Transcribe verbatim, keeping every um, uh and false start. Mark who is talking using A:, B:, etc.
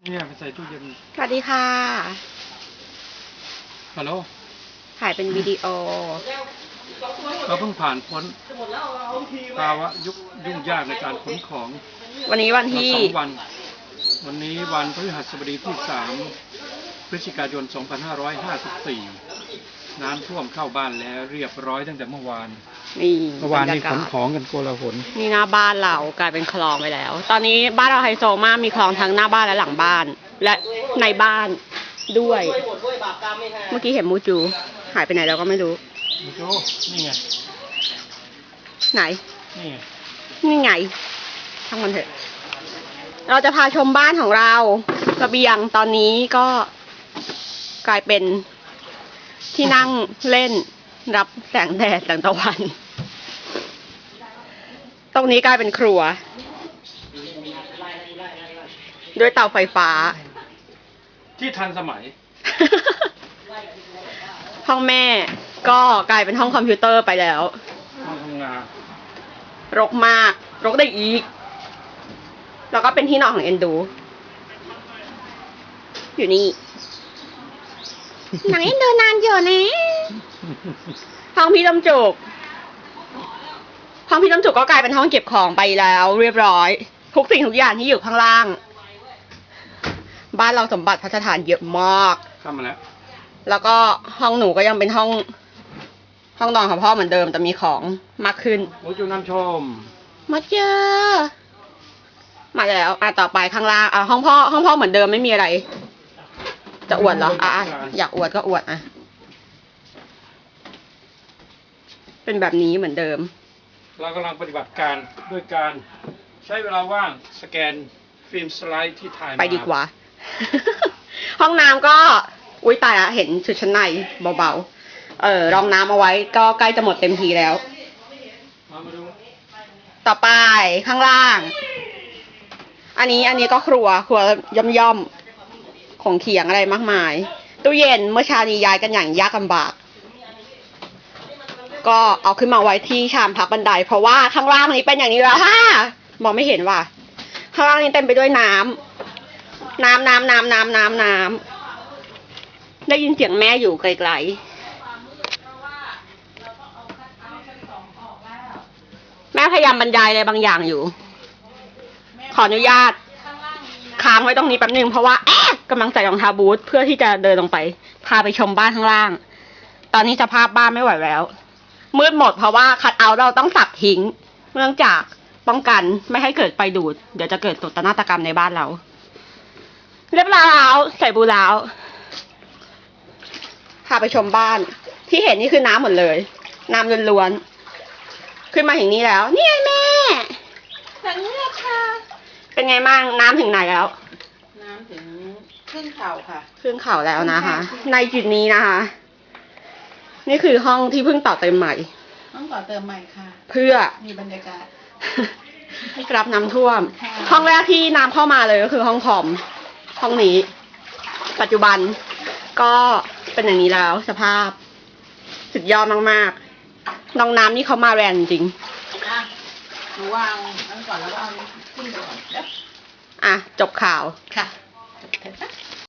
A: เนี่ยไปใส่ตู้เย็น
B: สวัสดีค่ะ
A: ฮัลโหล
B: ถ่ายเป็นวิดีโอ
A: เราเพิ่งผ่านพ้นภาวะยุคยุ่งยากในการขนของ
B: วันนี้วันที่
A: สองวันวันนี้วันพฤหัสบดีที่สามพฤศจิกายนสองพันห้าร้อยห้าสิบสี่น้ำท่วมเข้าบ้านแล้วเรียบร้อยตั้งแต่เมื่อวาน
B: นี่
A: เมื่อวานนี้ขนของกันโกลาหล
B: นี่หน้าบ้านเรากลายเป็นคลองไปแล้ว ตอนนี้บ้านเราไฮโซมากมีคลองทั้งหน้าบ้านและหลังบ้านและในบ้านด้วยเมื่อกี้เห็นมูจูหายไปไหนเราก็ไม่รู้
A: มูจูนี่ไง
B: ไหน
A: นี่ไง
B: นี่ไงทั้งมันเถอะเราจะพาชมบ้านของเราระเบียงตอนนี้ก็กลายเป็นที่นั่งเล่นรับแสงแดดแสงตะวันตรงนี้กลายเป็นครัวด้วยเตาไฟฟ้า
A: ที่ทันสมัย
B: ห้องแม่ก็กลายเป็นห้องคอมพิวเตอร์ไปแล้ว
A: ห้องทำงาน
B: รกมากรกได้อีกแล้วก็เป็นที่นอนของเอ็นดูอยู่นี่หนังเอ็นดูนานอยู่นะห้องพี่ลำจุกห้องพี่ลำจุกก็กลายเป็นห้องเก็บของไปแล้วเรียบร้อยทุกสิ่งทุกอย่างที่อยู่ข้างล่างบ้านเราสมบัติพัฒฐานเยอะมาก
A: เข้ามาแล้ว
B: แล้วก็ห้องหนูก็ยังเป็นห้องห้องนอนของพ่อเหมือนเดิมแต่มีของมากขึ้น
A: โอ้จูน้ำชม
B: มาเจอมาแล้วอ่ะต่อไปข้างล่างอ่ะห้องพ่อห้องพ่อเหมือนเดิมไม่มีอะไรจะอวดเหรออ่ะอยากอวดก็อวดอ่ะเป็นแบบนี้เหมือนเดิม
A: เรากำลังปฏิบัติการด้วยการใช้เวลาว่างสแกนฟิล์มสไลด์ที่ถ่ายมา
B: ไปดีกว่า ห้องน้ำก็อุ้ยตายละเห็นชุดชั้นในเบาๆเออรองน้ำเอาไว้ก็ใกล้จะหมดเต็มทีแล้ว
A: มามาดู
B: ต่อไปข้างล่างอันนี้อันนี้ก็ครัวครัวย่อมๆของเขียงอะไรมากมายตู้เย็นเมื่อเช้านี้ย้ายกันอย่างยากลำบากก็เอาขึ้นมาไว้ที่ชามพักบันไดเพราะว่าข้างล่างนี้เป็นอย่างนี้แล้วฮ่ามองไม่เห็นว่ะข้างล่างนี้เต็มไปด้วยน้ำน้ำน้ำน้ำน้ำน้ำน้ำได้ยินเสียงแม่อยู่ไกลๆแม่พยายามบรรยายอะไรบางอย่างอยู่ขออนุญาตค้างไว้ตรงนี้แป๊บนึงเพราะว่าแอ๊ะกำลังใส่รองเท้าบูทเพื่อที่จะเดินลงไปพาไปชมบ้านข้างล่างตอนนี้สภาพบ้านไม่ไหวแล้วมืดหมดเพราะว่าคัทเอาท์เราต้องสับทิ้งเนื่องจากป้องกันไม่ให้เกิดไฟดูดเดี๋ยวจะเกิดโศกนาฏกรรมในบ้านเราเรียบร้อยแล้วใส่บูแล้วพาไปชมบ้านที่เห็นนี่คือน้ำหมดเลยน้ำล้วนๆขึ้นมาถึงนี้แล้วนี่ไงแม่แบบนี้เลยค่ะเป็นไงบ้างน้ำถึงไหนแล้ว
C: น้ำถึงครึ่งเข่าค่ะ
B: ครึ่งเข่าแล้วนะคะในจุดนี้นะคะนี่คือห้องที่เพิ่งต่อเติมใหม่
C: ห้องต่อเติมใหม่ค่ะ
B: เพื่อ
C: มีบรรยากาศ
B: รับน้ำท่วมห้องแรกที่น้ำเข้ามาเลยก็คือห้องคอมห้องนี้ปัจจุบันก็เป็นอย่างนี้แล้วสภาพสุดยอดมากๆน้องน้ำนี่เขามาแรงจริง
C: อ่ะหนูวางอันก่อนแล้วก็เอาขึ้นก่อน
B: อ่ะจบข่าว
C: ค่ะ